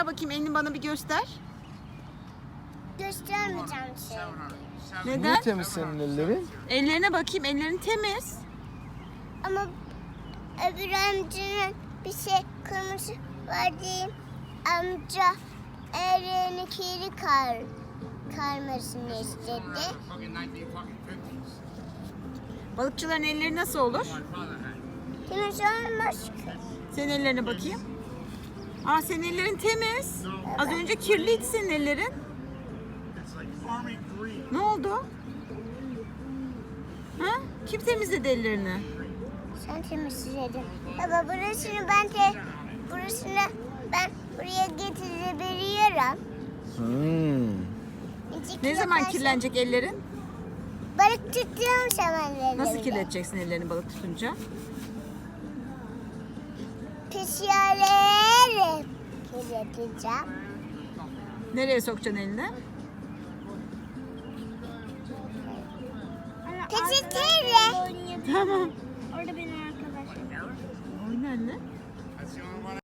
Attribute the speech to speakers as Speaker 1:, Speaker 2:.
Speaker 1: Bakayım elini bana bir göster.
Speaker 2: Göstermeyeceğim şey.
Speaker 1: Neden?
Speaker 3: Niye temiz senin ellerin?
Speaker 1: Ellerine bakayım. Ellerin temiz.
Speaker 2: Ama öbür amcanın bir şey kırmızı var diyeyim. Amca ellerini kiri karmasını istedi.
Speaker 1: Balıkçıların elleri nasıl olur?
Speaker 2: Temiz olmaz ki.
Speaker 1: Senin ellerine bakayım. Aa, senin ellerin temiz. Az önce kirliydi senin ellerin. Ne oldu? Ha? Kim temizledi ellerini?
Speaker 2: Sen temizledin. Baba burasını ben buraya getirebiliyorum.
Speaker 1: Ne zaman kirlenecek ellerin?
Speaker 2: Balık tuttuğum zaman ellerimi.
Speaker 1: Nasıl kirleteceksin ellerini balık tutunca?
Speaker 2: Pis yerleri kirleteceğim.
Speaker 1: Nereye sokacaksın elini?
Speaker 2: Peçeteyle.
Speaker 1: Tamam.
Speaker 2: Orada benim arkadaşım.
Speaker 1: Oyna anne.